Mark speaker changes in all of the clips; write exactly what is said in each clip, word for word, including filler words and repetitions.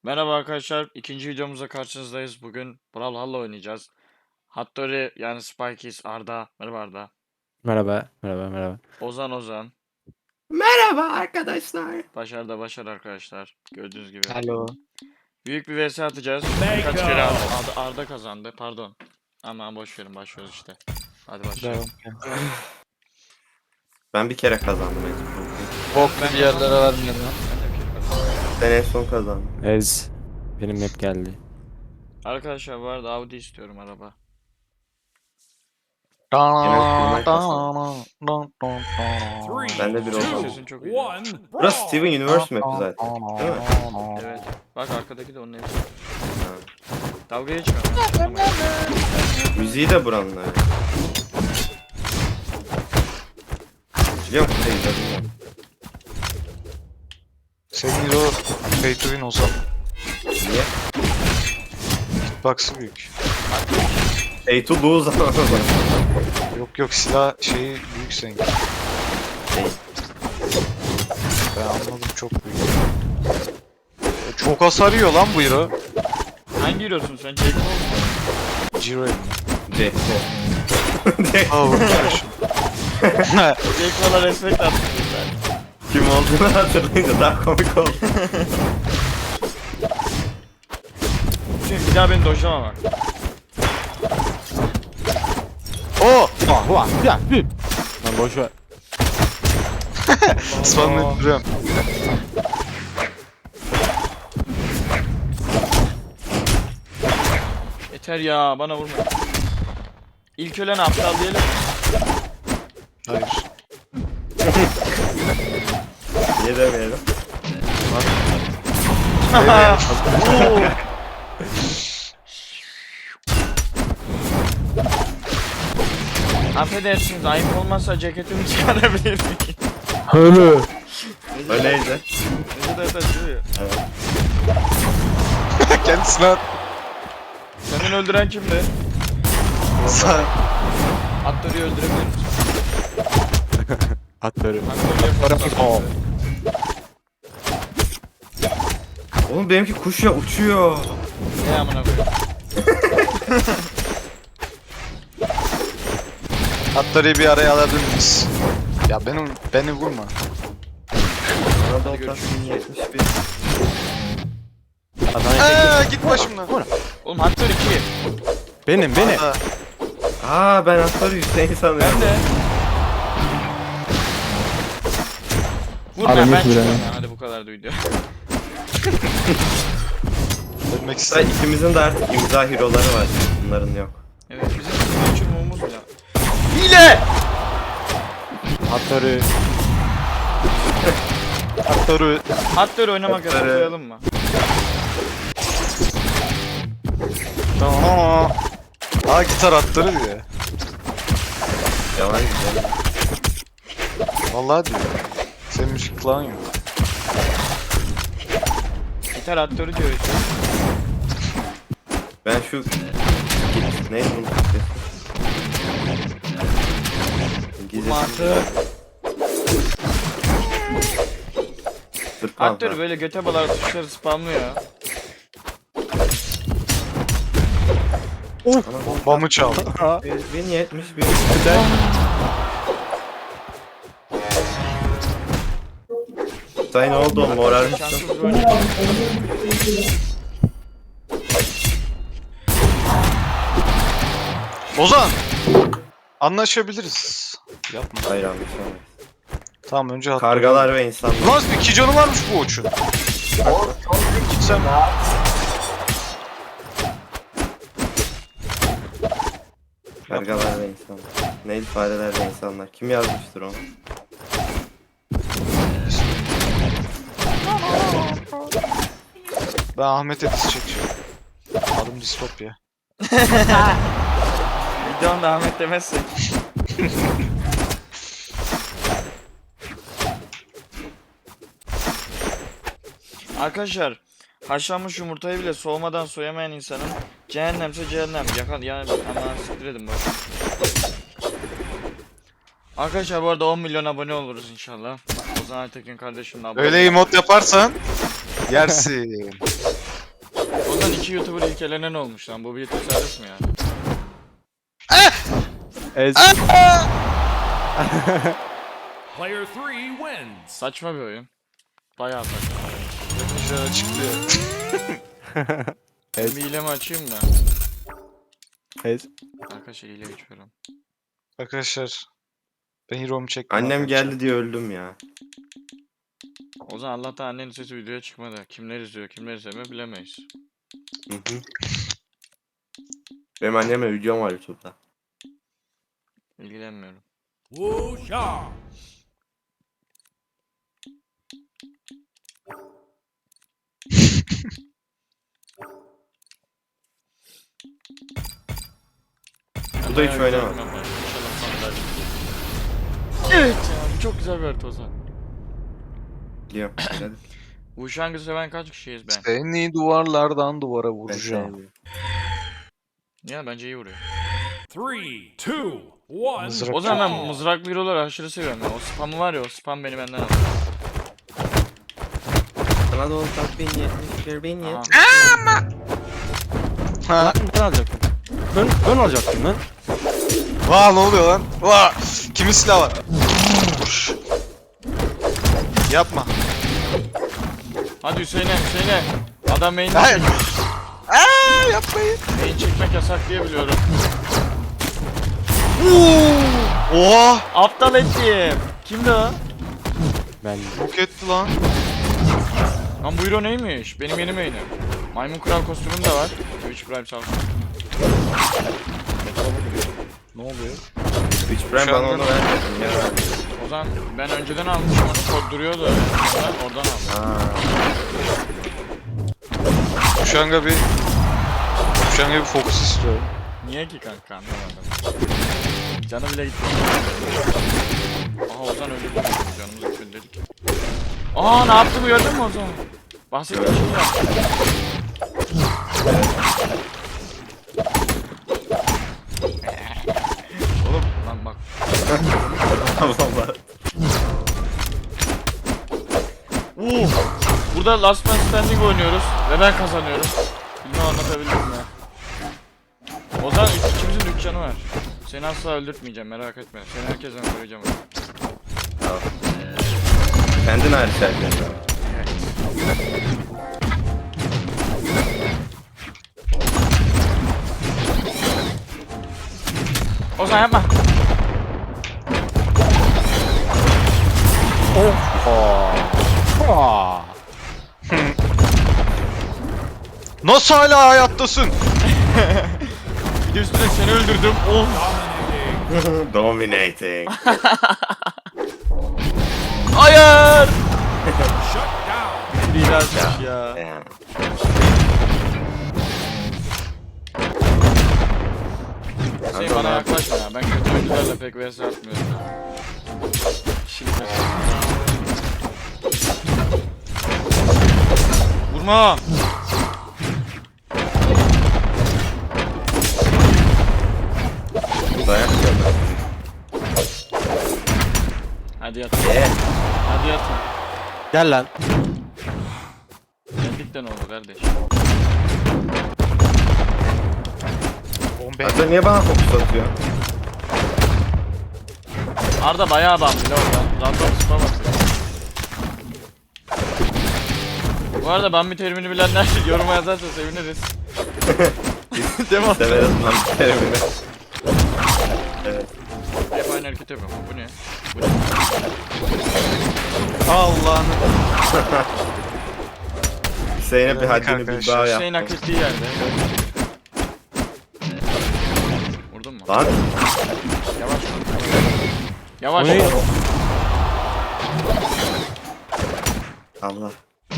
Speaker 1: Merhaba arkadaşlar, ikinci videomuzda karşınızdayız. Bugün Brawlhalla oynayacağız. Hattori yani Spikeys, Arda. Merhaba Arda.
Speaker 2: Merhaba, merhaba, merhaba.
Speaker 1: Ozan Ozan.
Speaker 3: Merhaba arkadaşlar.
Speaker 1: Başar da Başar arkadaşlar. Gördüğünüz gibi.
Speaker 2: Hello.
Speaker 1: Büyük bir vs atacağız. Birkaç kere Arda, Arda kazandı. Pardon. Aman boş verin, başlıyoruz işte. Hadi başlayalım.
Speaker 3: Ben bir kere kazandım en son.
Speaker 2: Bok bir yerlere vermeyelim lan.
Speaker 1: Ben de bir kere kazandım.
Speaker 3: Ben en son kazandım.
Speaker 2: Ez. Benim hep geldi.
Speaker 1: Arkadaşlar bu arada Audi istiyorum araba.
Speaker 3: Ben de bir
Speaker 1: Senin
Speaker 3: olsam.
Speaker 1: sesin çok iyi.
Speaker 3: Burası Steven Universe map'i zaten. Değil mi?
Speaker 1: Evet. Bak arkadaki de onun hepsi.
Speaker 3: Ha.
Speaker 1: Dalga geçme. ama.
Speaker 3: Müziği de buranın öyle. Biliyor musun? Şey, bilmiyorum.
Speaker 4: Senin o pay to win olsa
Speaker 3: Niye?
Speaker 4: hitbox'ı büyük.
Speaker 3: Pay to lose ama.
Speaker 4: Yok yok silah şeyi büyük senin.
Speaker 3: Şey,
Speaker 4: Ben anladım çok büyük. E, Çok hasar yiyor lan bu hero.
Speaker 1: Hangi hero'sun sen? Jacob musun?
Speaker 4: Zero mi?
Speaker 3: Jack. Jack.
Speaker 4: Aa vurmuşum.
Speaker 1: Jacob'a respect attım ben.
Speaker 3: Kim olduğunu hatırlayınca daha komik oldu.
Speaker 1: Şimdi bir daha beni dojlama bak.
Speaker 4: Oo!
Speaker 2: Vah vah ya. Lan boş ver.
Speaker 4: Spamlayıp duruyorum.
Speaker 1: Yeter ya, bana vurma. İlk ölen aptal diyelim.
Speaker 4: Hayır.
Speaker 3: Niye demeyelim?
Speaker 1: Affedersiniz, ayıp olmazsa ceketimi çıkarabilir miyim?
Speaker 2: Öyle.
Speaker 3: Öyleydi.
Speaker 1: Ne kadar taşıyor ya.
Speaker 4: Kendisine at.
Speaker 1: Senin öldüren kimdi?
Speaker 4: Sen.
Speaker 1: Atları öldürebilir misin?
Speaker 2: Atları.
Speaker 1: Atları yapalım.
Speaker 3: Oğlum benimki kuş ya uçuyor.
Speaker 1: Ne amına koyayım?
Speaker 4: Atları bir araya alabilir miyiz? Ya beni, beni vurma.
Speaker 3: Bana da
Speaker 1: Hadi görüşürüz.
Speaker 3: yetmiş bir.
Speaker 2: Adana'ya
Speaker 4: Eee git başımdan.
Speaker 1: Oğlum Hattori iki.
Speaker 2: Benim, benim.
Speaker 4: Aa,
Speaker 3: Aa ben atları Hüseyin sanıyorum.
Speaker 1: Ben de. Vurma
Speaker 2: Abi,
Speaker 1: ben
Speaker 2: yürü
Speaker 1: çıkıyorum
Speaker 2: be.
Speaker 1: ya. Hadi bu kadar duydu.
Speaker 4: ölmek
Speaker 3: Hatta
Speaker 4: istedim.
Speaker 3: ikimizin de artık imza hero'ları var. Bunların yok.
Speaker 1: Evet bizim uçurmamız bile. Hile!
Speaker 2: Atları.
Speaker 4: Atları.
Speaker 1: Hattori oynamak
Speaker 3: Hattori.
Speaker 1: yasaklayalım mı?
Speaker 4: Aa. Aa gitar atları diyor.
Speaker 3: Yalan güzel.
Speaker 4: Vallahi diyor. Senin müzik falan yok.
Speaker 1: Gitar Hattori diyor işte.
Speaker 3: Ben şu... Neydi bunun Türkçesi? İngilizcesi.
Speaker 1: Mantı.
Speaker 3: Tırpan.
Speaker 1: Hattori böyle göte balar tuşları spamlıyor.
Speaker 4: Bombamı çaldı.
Speaker 3: bin yetmiş bir. Say ne oldu oğlum moral mısın?
Speaker 1: Şanssız bir oyuncu.
Speaker 4: Ozan! Anlaşabiliriz. Yapma.
Speaker 3: Hayır anlaşılmaz.
Speaker 4: Tamam önce hat.
Speaker 3: Kargalar ve insanlar.
Speaker 4: Lan iki canı varmış bu uçun. Gitsem.
Speaker 3: Kargalar ve insanlar. Neydi fareler ve insanlar? Kim yazmıştır onu?
Speaker 4: Ben Ahmet Edis çekiyorum. Adım Distopya.
Speaker 1: Videonda Ahmet demezsek. Arkadaşlar haşlanmış yumurtayı bile soğumadan soyamayan insanın cehennemse cehennem. Yakan yani aman siktir edin bak. Arkadaşlar bu arada on milyon abone oluruz inşallah. Ozan Aytekin kardeşimle abone.
Speaker 4: Öyle emot yaparsan yersin.
Speaker 1: Ozan iki YouTuber ilk elenen olmuş lan. Bu bir tesadüf mü ya?
Speaker 2: Ez.
Speaker 5: Player three wins.
Speaker 1: Saçma bir oyun. Bayağı saçma.
Speaker 4: Güzel açıklıyor.
Speaker 1: Ben bir hilemi açayım da.
Speaker 2: Ez.
Speaker 1: Arkadaşlar hile geçiyorum.
Speaker 4: Arkadaşlar. Ben hero'mu çektim.
Speaker 3: Annem
Speaker 4: arkadaşlar.
Speaker 3: geldi diye öldüm ya.
Speaker 1: Ozan Allah'tan annenin sesi videoya çıkmadı. Kimler izliyor, kimler izlemiyor bilemeyiz.
Speaker 3: Hı hı. Benim annemle videom var YouTube'da.
Speaker 1: İlgilenmiyorum.
Speaker 5: Wusha.
Speaker 3: Bu da hiç
Speaker 1: Bayağı
Speaker 3: oynamam.
Speaker 1: güzel bir map var. İnşallah sandalye. Evet ya bu çok güzel bir harita Ozan.
Speaker 3: Biliyorum. Hadi.
Speaker 1: Bu şangı seven kaç kişiyiz ben?
Speaker 4: Seni duvarlardan duvara
Speaker 3: Ben
Speaker 4: vuracağım.
Speaker 3: sevmiyorum.
Speaker 1: Ya bence iyi vuruyor.
Speaker 5: Three, two, one.
Speaker 4: Mızrak
Speaker 1: O zaman
Speaker 5: go.
Speaker 1: ben mızraklı hero'ları aşırı seviyorum ya. O spamı var ya o spam beni benden alıyor.
Speaker 3: Sana da olsak bin yetmiş bir bin
Speaker 1: Aha.
Speaker 3: yetmiş.
Speaker 4: Ha.
Speaker 2: Ben alacaktım. Ben, ben alacaktım lan.
Speaker 4: Vaa ne oluyor lan? Vaa! Kimin silahı var? Vuş. Yapma.
Speaker 1: Hadi Hüseyin'e Hüseyin'e. Adam main'i
Speaker 4: Hayır.
Speaker 1: çekmiş.
Speaker 4: Aa, yapmayın.
Speaker 1: Main çekmek yasak diye biliyorum.
Speaker 4: Oha!
Speaker 1: Aptal ettim. Kimdi o?
Speaker 2: Ben.
Speaker 4: Bok etti lan.
Speaker 1: Lan bu hero neymiş? Benim yeni main'im. Maymun kral kostümüm de var. Twitch Prime sağ olsun.
Speaker 4: Ne oluyor?
Speaker 3: Üç Prime
Speaker 4: Şu
Speaker 3: bana
Speaker 4: anda-
Speaker 3: onu vermedin ya.
Speaker 1: O zaman ben önceden almışım onu kod duruyordu. Oradan, oradan aldım.
Speaker 3: Aa,
Speaker 4: Kuşanga bir... Kuşanga bir fokus istiyorum.
Speaker 1: Niye ki kanka anlamadım. Canı bile gitti. Aha Ozan öldü. Canımız gitmedi dedik. Aa ne yaptı bu gördün mü Ozan? Bahsettiğim şey yaptı. Oğlum lan bak.
Speaker 3: Allah.
Speaker 1: Uh, burada Last Man Standing oynuyoruz ve ben kazanıyorum. Bilmem anlatabildim mi? Ozan ikimizin de üç canı var. Seni asla öldürtmeyeceğim merak etme. Seni herkesten koruyacağım.
Speaker 3: Tamam. Kendin hariç herkes.
Speaker 1: Ozan yapma.
Speaker 2: Aa.
Speaker 4: Nasıl hala hayattasın?
Speaker 1: Bir de üstüne seni öldürdüm. Of.
Speaker 3: Dominating.
Speaker 1: Hayır.
Speaker 5: Shut down.
Speaker 1: Biraz ya.
Speaker 3: Ya.
Speaker 1: Hüseyin bana yaklaşma ya. Ben kötü oyuncularla pek vs atmıyorum. Şimdi vurma.
Speaker 3: Dayak yiyorlar.
Speaker 1: Hadi yat.
Speaker 3: Eee.
Speaker 1: Hadi yat.
Speaker 2: Gel lan.
Speaker 1: Yendik de ne oldu kardeş?
Speaker 4: Bombe.
Speaker 3: Hatta niye bana fokus atıyor?
Speaker 1: Arda bayağı bam bile orada. Random spam atıyor. Bu arada Bambi terimini bilenler yoruma yazarsa seviniriz. Değil mi?
Speaker 3: Severiz lan bir terimini. Evet.
Speaker 1: Hep aynı hareket yapıyorum. Bu ne? Bu ne?
Speaker 4: Allah'ını.
Speaker 3: Hüseyin'e bir
Speaker 4: Evet
Speaker 3: haddini
Speaker 4: arkadaşlar,
Speaker 3: bir daha
Speaker 1: Hüseyin
Speaker 3: yaptım.
Speaker 1: hak ettiği yerde. Vurdun mu?
Speaker 3: Lan.
Speaker 1: Yavaş vur. Yavaş.
Speaker 2: O ne?
Speaker 1: Yavaş.
Speaker 3: Allah.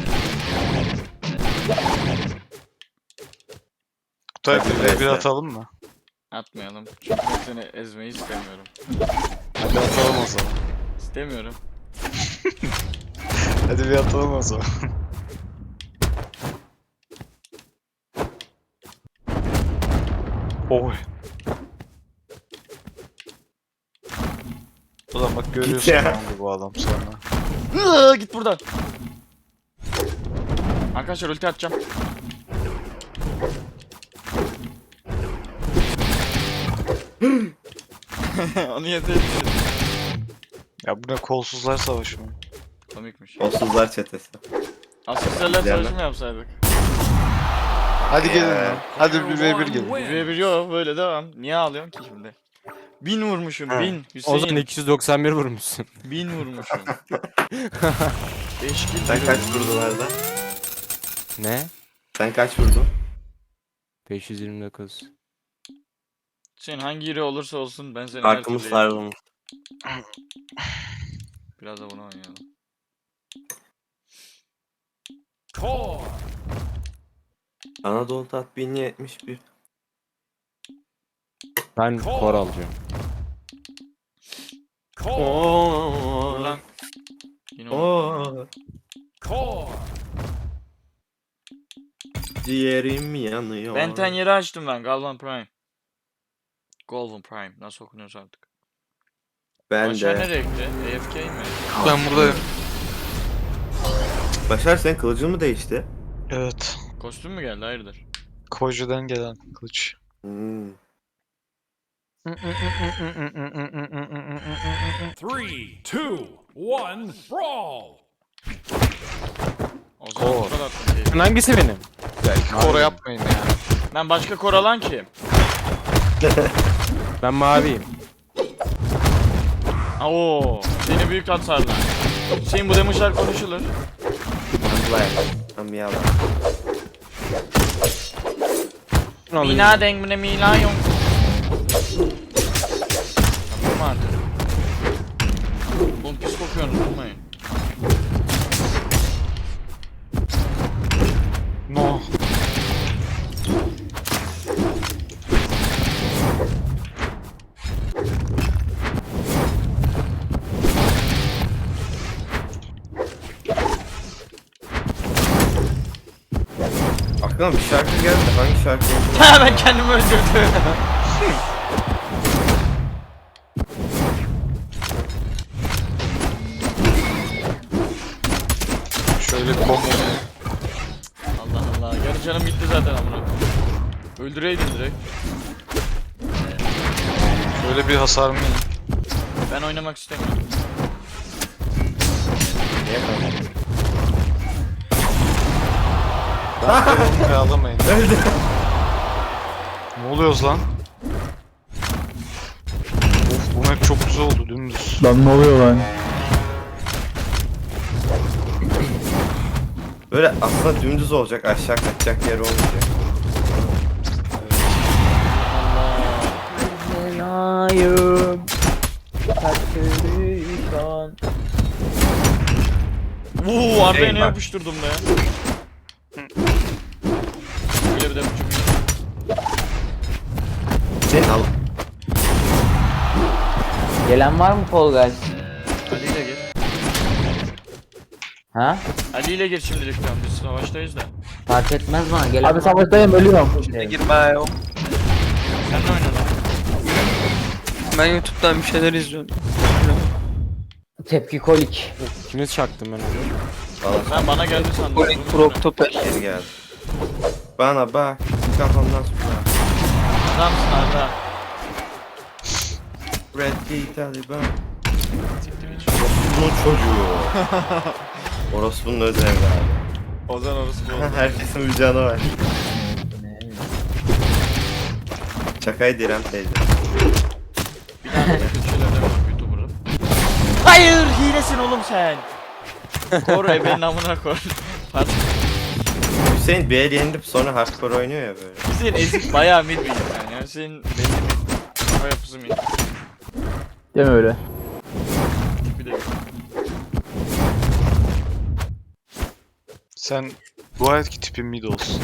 Speaker 4: Kutay
Speaker 3: Hadi
Speaker 4: bir ve bir
Speaker 3: neyse.
Speaker 4: atalım mı?
Speaker 1: Atmayalım. Çünkü ben seni ezmeyi istemiyorum.
Speaker 4: Hadi atalım o zaman.
Speaker 1: İstemiyorum.
Speaker 4: Hadi bir atalım o zaman. Oy. Ulan bak görüyorsun
Speaker 3: ya.
Speaker 4: ne oldu bu adam sonra.
Speaker 1: Iıı, git buradan. Arkadaşlar ulti atacağım. Onu yetebilirim.
Speaker 4: Ya bu ne kolsuzlar savaşı mı?
Speaker 1: Komikmiş.
Speaker 3: Kolsuzlar çetesi.
Speaker 1: Asistlerler
Speaker 3: Güzel
Speaker 1: savaşı mı yapsaydık?
Speaker 4: Hadi gelin
Speaker 3: Ya.
Speaker 4: lan. Hadi bir ve bir gelin.
Speaker 1: Bir ve bir yok böyle devam. Niye ağlıyorsun ki şimdi? Bin vurmuşum
Speaker 3: Ha.
Speaker 1: bin.
Speaker 2: O zaman
Speaker 1: Hüseyin
Speaker 2: iki yüz doksan bir vurmuşsun.
Speaker 1: bin vurmuşum. Beş kill.
Speaker 3: Sen kaç vurdun Arda?
Speaker 2: Ne?
Speaker 3: Sen kaç vurdun?
Speaker 2: beş yüz yirmi dokuz.
Speaker 1: Hüseyin hangi yeri olursa olsun ben seni her
Speaker 3: Arkamız
Speaker 1: türlü
Speaker 3: sarılmış.
Speaker 1: Biraz da bunu oynayalım.
Speaker 5: Core.
Speaker 3: Anadolu Tat bin yetmiş bir.
Speaker 2: Ben kor alacağım.
Speaker 5: Core.
Speaker 1: Dur
Speaker 3: Oo.
Speaker 1: lan. Yine unuttum.
Speaker 3: Oo.
Speaker 5: Core.
Speaker 3: Ciğerim yanıyor.
Speaker 1: Benten yeri açtım ben. Galvan Prime. Galvan Prime. Nasıl okunuyorsa artık.
Speaker 3: Ben
Speaker 1: Başar
Speaker 3: de.
Speaker 1: nereye gitti? A F K mi?
Speaker 4: Ben buradayım.
Speaker 3: Başar senin kılıcın mı değişti?
Speaker 4: Evet.
Speaker 1: Kostüm mü geldi? Hayırdır?
Speaker 4: Koju'dan gelen kılıç.
Speaker 3: Hmm.
Speaker 5: Three, two, one, brawl.
Speaker 1: O zaman
Speaker 4: Kor.
Speaker 1: bu kadar attım keyif.
Speaker 2: Sen hangisi benim?
Speaker 4: Ya iki kora yapmayın ya.
Speaker 1: Ben başka kor alan kim?
Speaker 2: Ben maviyim.
Speaker 1: Oo, seni büyük hasarlı. Hüseyin bu demişler konuşulur.
Speaker 3: Amblaya. Amblaya.
Speaker 1: Mina dengmine mila yok. Yapma artık. Oğlum pis kokuyorsunuz durmayın.
Speaker 4: No.
Speaker 3: Aklıma bir şarkı geldi. Hangi şarkı?
Speaker 1: Ha ben kendimi öldürdüm.
Speaker 4: Şöyle bir combo.
Speaker 1: Allah Allah. Yarı canım gitti zaten amına. Öldüreydin direkt.
Speaker 4: Şöyle bir hasar mı?
Speaker 1: Ben oynamak istemiyorum.
Speaker 3: Niye kaldı?
Speaker 4: Onu ağlamayın.
Speaker 3: Öldü.
Speaker 4: Ne oluyoruz lan? Of bu map çok güzel oldu dümdüz.
Speaker 6: Lan ne oluyor lan?
Speaker 3: Böyle aslında dümdüz olacak. Aşağı kaçacak yer olmayacak.
Speaker 1: Vuuu Arda'ya
Speaker 3: Hey,
Speaker 1: ne
Speaker 3: bak.
Speaker 1: yapıştırdım be. Böyle bir de buçuk.
Speaker 3: Sen al.
Speaker 6: Gelen var mı Fall Guys?
Speaker 1: Ali ile gir.
Speaker 6: Ha?
Speaker 1: Ali ile gir şimdilik tamam biz savaştayız da.
Speaker 6: Fark etmez bana. Gelen Abi savaştayım ölüyorum.
Speaker 7: Girme ya.
Speaker 1: Sen ne oynadın?
Speaker 7: Ben YouTube'dan bir şeyler izliyorum.
Speaker 6: Tepki kolik.
Speaker 2: Kime çaktım ben onu?
Speaker 1: Ben bana geldi sandım.
Speaker 7: Kolik Proktoper.
Speaker 3: Geri geldi. Bana bak. Kafamdan sonra.
Speaker 1: Adamsın Arda.
Speaker 3: Red Key Taliban.
Speaker 1: Siktir hiç.
Speaker 3: Orospu'nun çocuğu. Orospu'nun öz evladı.
Speaker 1: Ozan orası bu oldu.
Speaker 3: Herkesin bir canı var. Çakay direm teyze.
Speaker 1: Bir tane kötü şeyler de bak YouTuber'ım. Hayır hilesin oğlum sen. Koru ebenin amına koy. Pardon.
Speaker 3: Hüseyin bir el yenilip sonra hardcore oynuyor ya böyle.
Speaker 1: Hüseyin ezik bayağı mid bir yani. Yani Hüseyin belli bir kafa yapısı mid.
Speaker 6: Deme öyle.
Speaker 1: Bir de
Speaker 4: Sen dua et ki tipin mid olsun.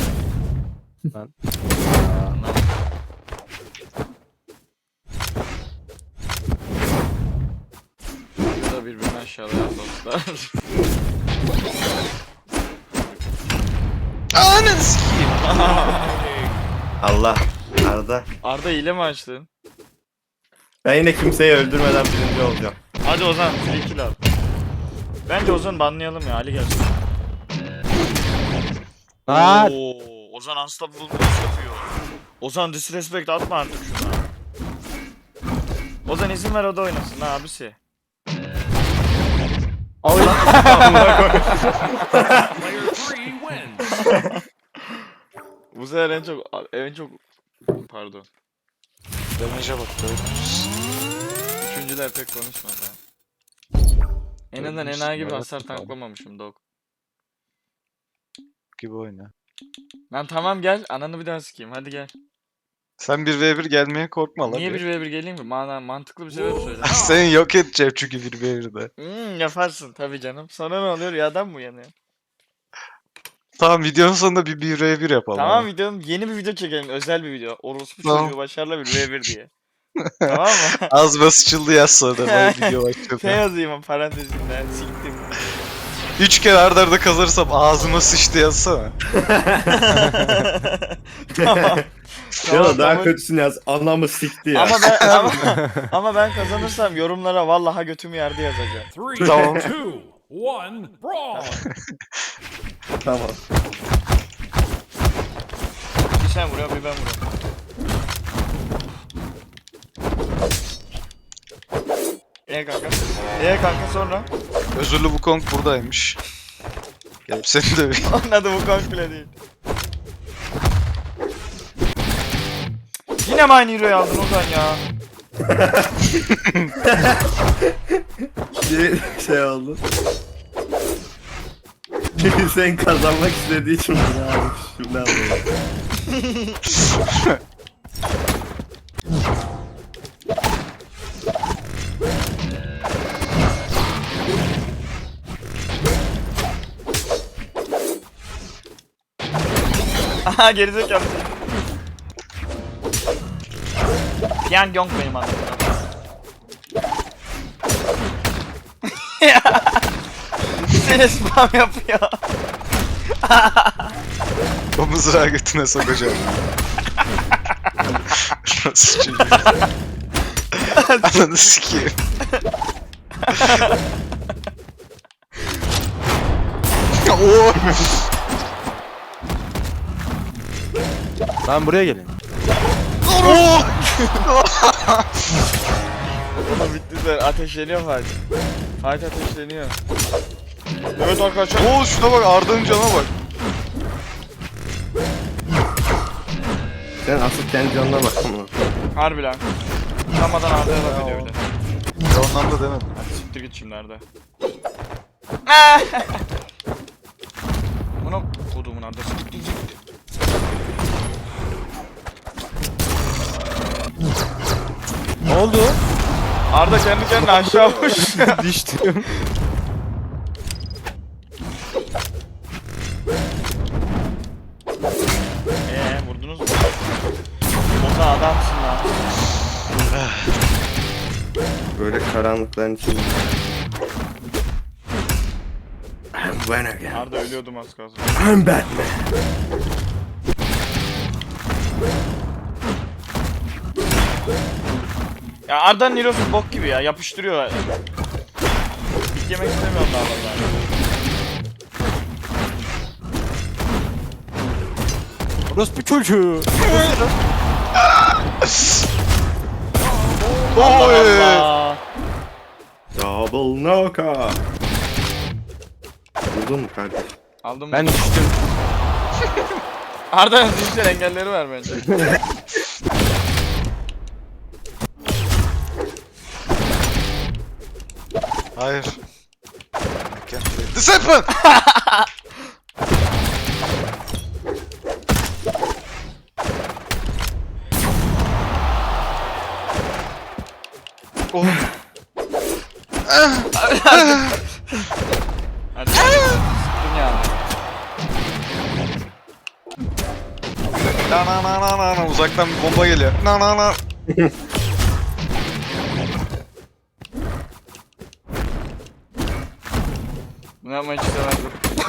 Speaker 1: Bu da birbirini aşağılayan dostlar.
Speaker 4: Ananı sikeyim.
Speaker 3: Allah. Arda.
Speaker 1: Arda hile mi açtın?
Speaker 3: Ben yine kimseyi öldürmeden birinci olacağım.
Speaker 1: Hadi Ozan free kill al. Bence Ozan'ı banlayalım ya Ali gelsin.
Speaker 2: Aa!
Speaker 1: Oo, Ozan unstoppable push yapıyor. Ozan disrespect atma artık şuna. Ozan izin ver o da oynasın ha abisi.
Speaker 5: Player three wins.
Speaker 1: Bu sefer en çok en çok pardon.
Speaker 4: Damage'e bak böyle.
Speaker 1: Üçüncüler pek konuşmadı. En azından
Speaker 4: Dördüncüsü
Speaker 1: enayi gibi
Speaker 4: merak
Speaker 1: hasar
Speaker 4: ettim.
Speaker 1: tanklamamışım dog.
Speaker 4: Gibi oyna.
Speaker 1: Lan tamam gel ananı bir daha sikeyim hadi gel.
Speaker 4: Sen bir ve bir gelmeye korkma lan.
Speaker 1: Niye
Speaker 4: bir.
Speaker 1: bir ve bir geleyim mi? Mana mantıklı bir sebep söyle.
Speaker 4: Seni yok edeceğim çünkü bir ve birde.
Speaker 1: Hmm, yaparsın tabii canım. Sonra ne oluyor? Rüyadan mı uyanıyor?
Speaker 4: Tamam videonun sonunda bir bir ve bir yapalım.
Speaker 1: Tamam
Speaker 4: abi.
Speaker 1: videonun yeni bir video çekelim. Özel bir video. Orospu
Speaker 4: Tamam.
Speaker 1: çocuğu başarılı bir ve bir diye. Tamam mı?
Speaker 4: Ağzıma sıçıldı yaz sonra böyle video
Speaker 1: Şey
Speaker 4: başladı.
Speaker 1: yazayım parantezinde. Siktim.
Speaker 4: Üç kere arda arda kazanırsam ağzıma sıçtı yazsana.
Speaker 1: Tamam.
Speaker 3: Ya da daha
Speaker 1: tamam.
Speaker 3: kötüsünü yaz. Anlamı sikti ya.
Speaker 1: Ama ben ama, ama ben kazanırsam yorumlara vallahi götümü yerde yazacağım.
Speaker 5: Three,
Speaker 4: Tamam.
Speaker 5: two, one, brawl.
Speaker 3: Tamam.
Speaker 1: Bir sen vuruyor bir ben vuruyorum. Ee kanka. Ee kanka sonra.
Speaker 4: Özürlü bu Kong buradaymış. Gelip seni de bir...
Speaker 1: Onun adı bu kank bile değil. Yine mi aynı hero'yu aldın Ozan ya?
Speaker 3: Bir şey oldu. Sen kazanmak istediği için bunu almış. Şimdi alıyorum.
Speaker 1: Aha gerizekalı. Pian Yong benim adım. Seni spam yapıyor.
Speaker 4: O mızrağı götüne sokacağım. Nasıl çocuk? Ananı sikeyim. Oo.
Speaker 2: Ben buraya gelin.
Speaker 1: Oğlum bitti sen ateşleniyor Fatih. Fatih ateşleniyor. Evet arkadaşlar.
Speaker 4: Oo şuna bak Arda'nın cana bak.
Speaker 3: Sen asıl kendi canına bak ama.
Speaker 1: Harbi lan. Utanmadan Arda'ya laf ediyor bir de.
Speaker 4: Ya ondan da demedim.
Speaker 1: Hadi siktir git şimdi Arda. Buna kodumun Arda siktir git.
Speaker 2: Ne oldu?
Speaker 1: Arda kendi kendine aşağı uç.
Speaker 2: Düştüm.
Speaker 1: Eee vurdunuz mu? Ozan adamsın lan.
Speaker 3: Böyle karanlıkların içinde. I'm when again.
Speaker 1: Arda ölüyordum az kalsın.
Speaker 3: I'm Batman.
Speaker 1: Ya Arda'nın Heroes'u bok gibi ya yapıştırıyor. Bit yemek istemiyorum daha vallahi.
Speaker 2: Orospu çocuğu.
Speaker 4: Oy.
Speaker 1: Allah.
Speaker 3: Double knockout. Vurdun mu kardeş?
Speaker 1: Aldım
Speaker 2: Ben
Speaker 1: ben...
Speaker 2: düştüm.
Speaker 1: Arda'nın zihinsel engelleri var bence.
Speaker 4: Hayır. Disciple! Oh.
Speaker 1: Hadi sıktım yani.
Speaker 4: Na na na na na na uzaktan bir bomba geliyor. Na na na.
Speaker 1: Bunu yapmayı hiç istemezdim.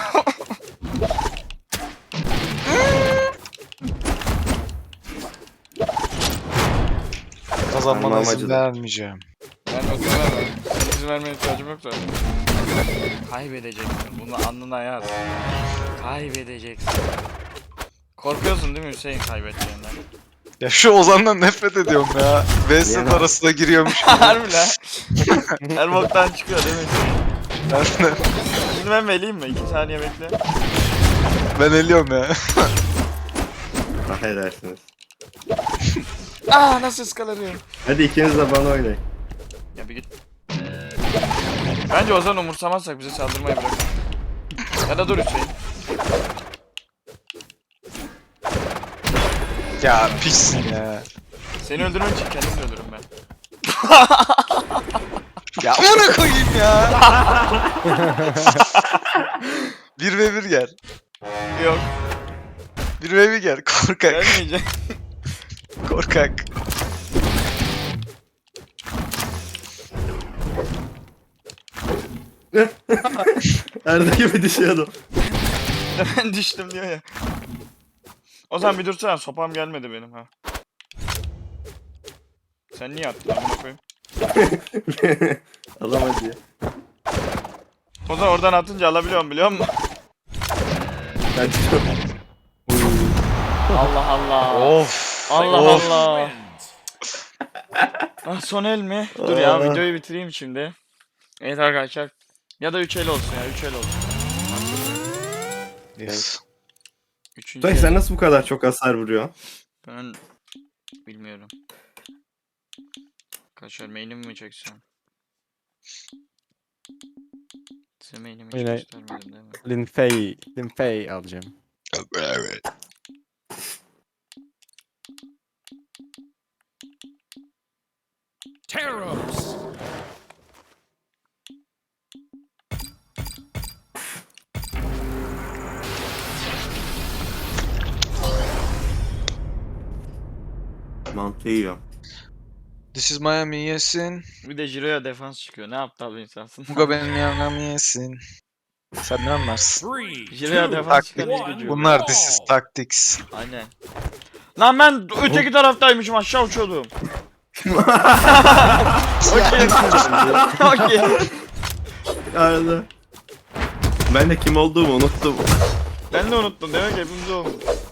Speaker 4: Kazanmana
Speaker 3: Ben
Speaker 4: izin
Speaker 3: amacı da-
Speaker 4: vermeyeceğim.
Speaker 1: Ben ödül vermem. Senin izin vermeye ihtiyacım yok zaten. Kaybedeceksin. Bunu alnına yaz. Kaybedeceksin. Korkuyorsun değil mi Hüseyin kaybedeceğinden?
Speaker 4: Ya şu Ozan'dan nefret ediyorum ya.
Speaker 3: Niye
Speaker 4: Vesset
Speaker 3: lan?
Speaker 4: arasına giriyormuş.
Speaker 1: Harbi lan. Her boktan çıkıyor değil mi?
Speaker 4: Ben, de-
Speaker 1: Şimdi ben vereyim mi? İki saniye bekle.
Speaker 4: ben eliyorum ya.
Speaker 3: Ah edersiniz.
Speaker 1: Aa nasıl ıskalarıyor?
Speaker 3: Hadi ikiniz de bana oynayın.
Speaker 1: Ya bir git. Bence Ozan umursamazsak bize saldırmayı bırak. Ya da dur Hüseyin.
Speaker 4: Ya pissin ya.
Speaker 1: Seni öldürmek için kendimi de öldürürüm ben.
Speaker 4: Ya amına koyayım ya. Bir ve bir gel.
Speaker 1: Yok.
Speaker 4: Bir ve bir gel. Korkak.
Speaker 1: Gelmeyeceğim.
Speaker 4: Korkak.
Speaker 3: Arda gibi düşüyordum.
Speaker 1: Ben düştüm diyor ya. Ozan bir dursana, sopam gelmedi benim ha. Sen niye attın amına koyayım?
Speaker 3: Alamadı ya.
Speaker 1: Ozan oradan atınca alabiliyorum biliyor musun?
Speaker 3: Ben tutuyorum.
Speaker 1: Allah Allah.
Speaker 4: Of.
Speaker 1: Allah
Speaker 4: Of.
Speaker 1: Allah.
Speaker 5: Wins.
Speaker 1: Ah, son el mi? Dur ya
Speaker 3: Aa.
Speaker 1: videoyu bitireyim şimdi. Evet arkadaşlar. Ya da üç el olsun ya, üç el olsun.
Speaker 4: Yes.
Speaker 1: Üçüncü
Speaker 3: Tony
Speaker 1: el.
Speaker 3: sen nasıl bu kadar çok hasar vuruyorsun?
Speaker 1: Ben bilmiyorum. Kaçar main'imi mi çeksem? Size main'imi hiç
Speaker 2: Yine-
Speaker 1: göstermedim değil mi?
Speaker 2: Linfey. Linfey alacağım.
Speaker 5: Teros.
Speaker 3: Mantı yiyor.
Speaker 4: This is Miami yesin.
Speaker 1: Bir de Jiro'ya defans çıkıyor. Ne aptal bir insansın.
Speaker 4: Muga benim Miami yesin. Sen ne anlarsın?
Speaker 5: Three.
Speaker 1: Jiro'ya
Speaker 5: two,
Speaker 1: defans çıkan
Speaker 5: one.
Speaker 1: hiç gücü yok.
Speaker 4: Bunlar this is tactics.
Speaker 1: Aynen. Lan ben öteki taraftaymışım, aşağı uçuyordum. Okey. Okey.
Speaker 3: Arda. Ben de kim olduğumu unuttum.
Speaker 1: Ben de unuttum, demek ki hepimiz olmuş.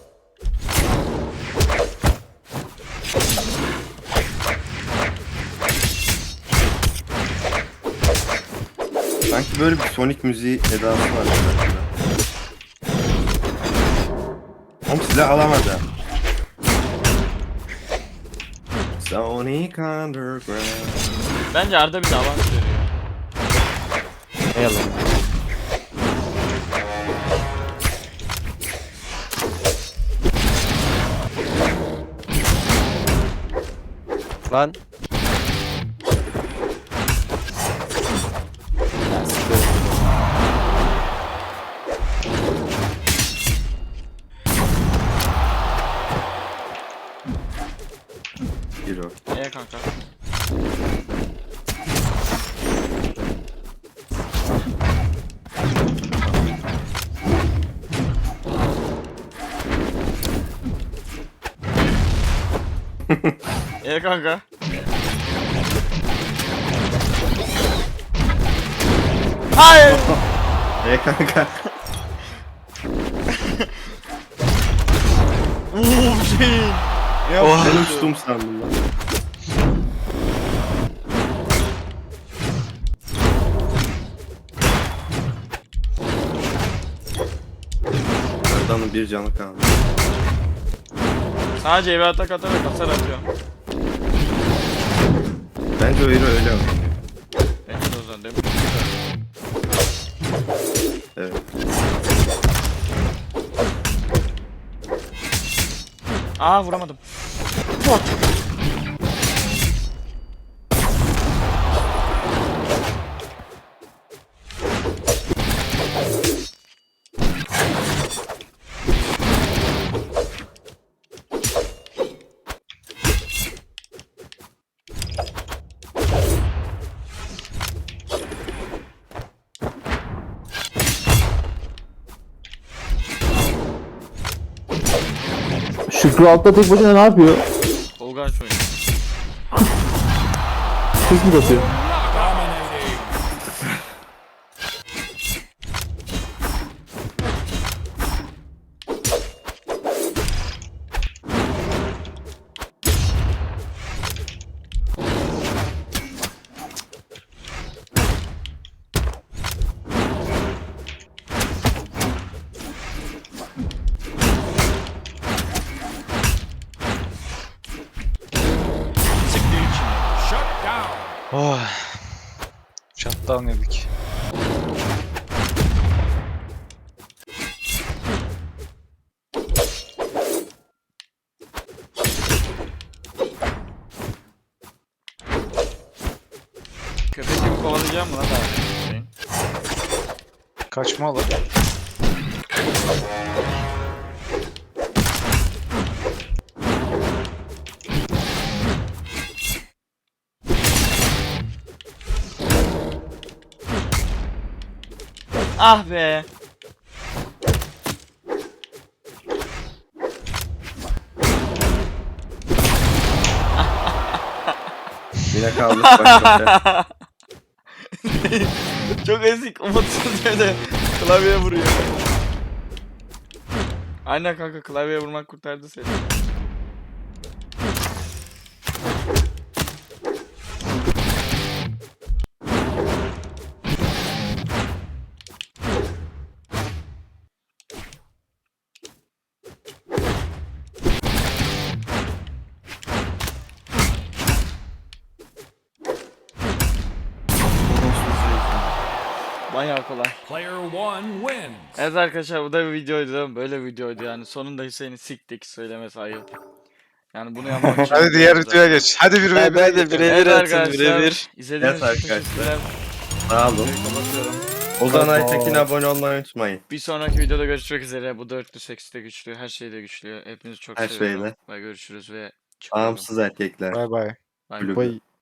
Speaker 3: Sanki böyle bir Sonic müziği edası var. şarkıda. Oğlum silah alamadı. Sonic Underground.
Speaker 1: Bence Arda bize avans veriyor.
Speaker 2: Ne yalan. Lan.
Speaker 3: Hero.
Speaker 1: Ee kanka. Ee kanka. Hayır.
Speaker 3: E kanka.
Speaker 1: Uuu şey. Ya
Speaker 4: Oh.
Speaker 3: Ben uçtum sandım lan. Arda'nın bir canı kaldı.
Speaker 1: Sadece eve atak atarak hasar atıyor.
Speaker 3: Bence o hero öyle mi?
Speaker 1: Bence de o zaman değil mi?
Speaker 3: Evet.
Speaker 1: Aa vuramadım.
Speaker 6: Şükrü altta tek başına ne yapıyor?
Speaker 1: Olgaç oynuyor.
Speaker 6: Kız mı basıyor?
Speaker 5: Dominating.
Speaker 4: Oh. Shutdown yedik.
Speaker 1: Köpek gibi kovalayacağım mı lan daha? Şey.
Speaker 4: Kaçma lan.
Speaker 1: Ah be.
Speaker 3: Yine kaldık baş başa.
Speaker 1: Çok ezik, umutsuz bir de klavyeye vuruyor. Aynen kanka, klavyeye vurmak kurtardı seni. Bayağı kolay.
Speaker 5: Player one wins.
Speaker 1: Evet arkadaşlar, bu da bir videoydu. Böyle bir videoydu yani. Sonunda Hüseyin'i siktik, söylemesi ayıp. Yani bunu yapmak için.
Speaker 4: Hadi diğer videoya geç. Hadi bir
Speaker 7: Hadi
Speaker 4: ve
Speaker 7: hadi
Speaker 4: bir.
Speaker 7: birebir
Speaker 1: Evet
Speaker 7: atın
Speaker 1: arkadaşlar,
Speaker 7: birebir.
Speaker 1: izlediğiniz
Speaker 3: Evet
Speaker 1: için
Speaker 3: arkadaşlar.
Speaker 1: teşekkürler.
Speaker 3: Sağ olun.
Speaker 1: Kapatıyorum.
Speaker 3: Ozan Aytekin abone olmayı unutmayın.
Speaker 1: Bir sonraki videoda görüşmek üzere. Bu dörtlü seksi de güçlü, her şey de güçlü. Hepinizi çok
Speaker 3: Her
Speaker 1: seviyorum.
Speaker 3: şeyle.
Speaker 1: Ve görüşürüz ve çıkıyorum.
Speaker 3: Bağımsız erkekler.
Speaker 4: Bay bay.
Speaker 1: Bay bay.
Speaker 3: Kulübü.
Speaker 2: Bay.